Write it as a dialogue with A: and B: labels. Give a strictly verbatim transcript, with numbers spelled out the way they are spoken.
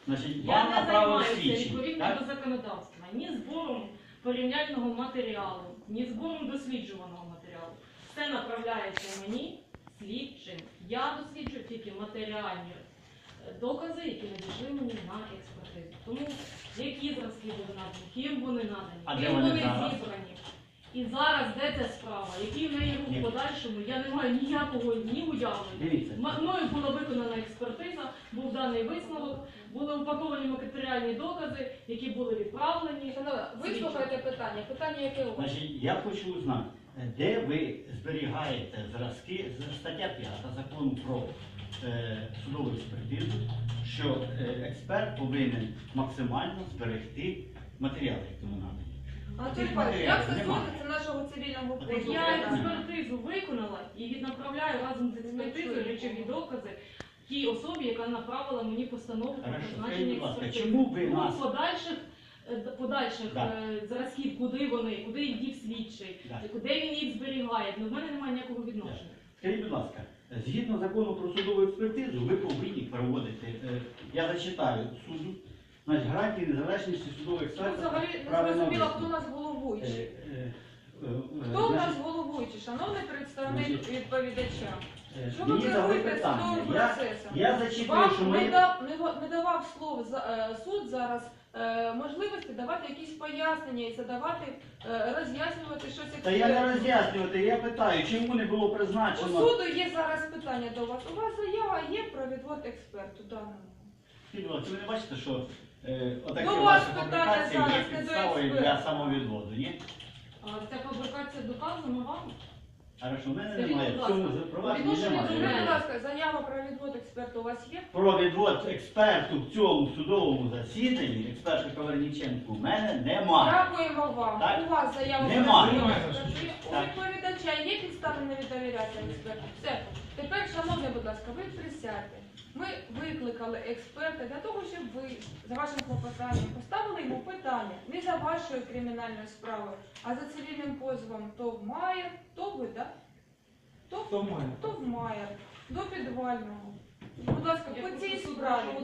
A: Значить,
B: Я
A: вам
B: не
A: направили
B: займаюся
A: слідчі,
B: відповідно
A: так?
B: до законодавства ні збором порівняльного матеріалу, ні збором досліджуваного матеріалу. Все направляється мені слідчим. Я досліджую тільки матеріальні е, докази, які надійшли мені на експертизу. Тому які зразки були надані, ким вони надані,
A: А де
B: ким
A: вони
B: вони
A: зараз?
B: зібрані. І зараз де ця справа, який в неї рух
A: Ні.
B: в подальшому, я не маю ніякого ні уявлення.
A: Дивіться.
B: М- Мною була виконана експертиза, був даний висновок, були упаковані матеріальні докази, які були відправлені.
C: Шановна, вислухайте питання. Питання яке у вас?
A: Значить, я хочу узнати, де ви зберігаєте зразки, з- стаття п'ята закону про е, судову експертизу, що е, експерт повинен максимально зберегти матеріали, які йому надані.
C: Анатолій
A: Тих
C: Павлович, як
A: матеріалів нема.
C: стосується нашого цивільного
A: От
C: позову?
B: Я
A: Добре.
B: експертизу виконала і віднаправляю разом з експертизою речові докази тій особі, яка направила мені постанову про
A: Хорошо, скажіть,
B: призначення
A: будь ласка,
B: експертизи.
A: чому ви
B: Ну,
A: нас-
B: подальших, е, д- подальших
A: Да.
B: е, зразків, куди вони, куди їх дів слідчий,
A: Да.
B: куди він їх зберігає, ну, в мене немає ніякого відношення.
A: Скажіть, будь ласка, згідно закону про судову експертизу, ви повинні проводити, е, я зачитаю суду, значить, гарантії незалежності судового
C: Ми
A: експерта.
C: взагалі не
A: правильно
C: зрозуміло,
A: висновку.
C: хто нас
A: Е,
C: головуючий.
A: е, е, е,
C: Хто у нас
A: значить,
C: головуючий? Шановний представник
A: Значить,
C: відповідача.
A: е,
C: Що ви
A: мені задали
C: керуєте
A: питання.
C: судовим
A: Я,
C: процесом?
A: я зачитую,
C: Вам
A: що
C: не,
A: ми...
C: дав, не, го- не давав слово за, е, суд зараз е, можливості давати якісь пояснення і задавати, е, роз'яснювати щось
A: Та я не
C: експерту.
A: роз'яснювати, я питаю, чому не було
C: У
A: призначено...
C: суду є зараз питання до вас. У вас заява є про відвод експерту даному.
A: Скажіть, будь ласка, ви не бачите, що е, отакі
C: До вас
A: ваші
C: питання
A: публікації є
C: зараз, не до
A: підставою
C: експерта.
A: для самовідводу, ні?
B: А ця фабрикація доказана вам?
A: Хорошо, в мене
B: Скажіть,
A: немає,
B: будь
A: в цьому
B: ласка,
A: запровадженні
C: Відношення до
A: немає.
C: мене, будь ласка, заява про відвод експерту у вас є?
A: Про відвод експерту в цьому судовому засіданні, експерта Каварніченку, в мене немає.
C: Дякуємо вам.
A: Так.
C: У вас заява
A: Немає.
C: про відвод
D: Немає.
C: експерту є? У
A: Так.
C: відповідача є підстави не довіряти експерту? Все. Тепер, шановні, будь ласка, ви присядьте. Ми викликали експерта для того, щоб ви за вашим клопотанням поставили йому питання не за вашою кримінальною справою, а за цивільним позовом ТОВ Майер, ТОВ ви, так? ТОВ
D: Хто має?
C: ТОВ Майер, до підвального. Будь ласка,
B: Я
C: по цій
B: просто
C: справі.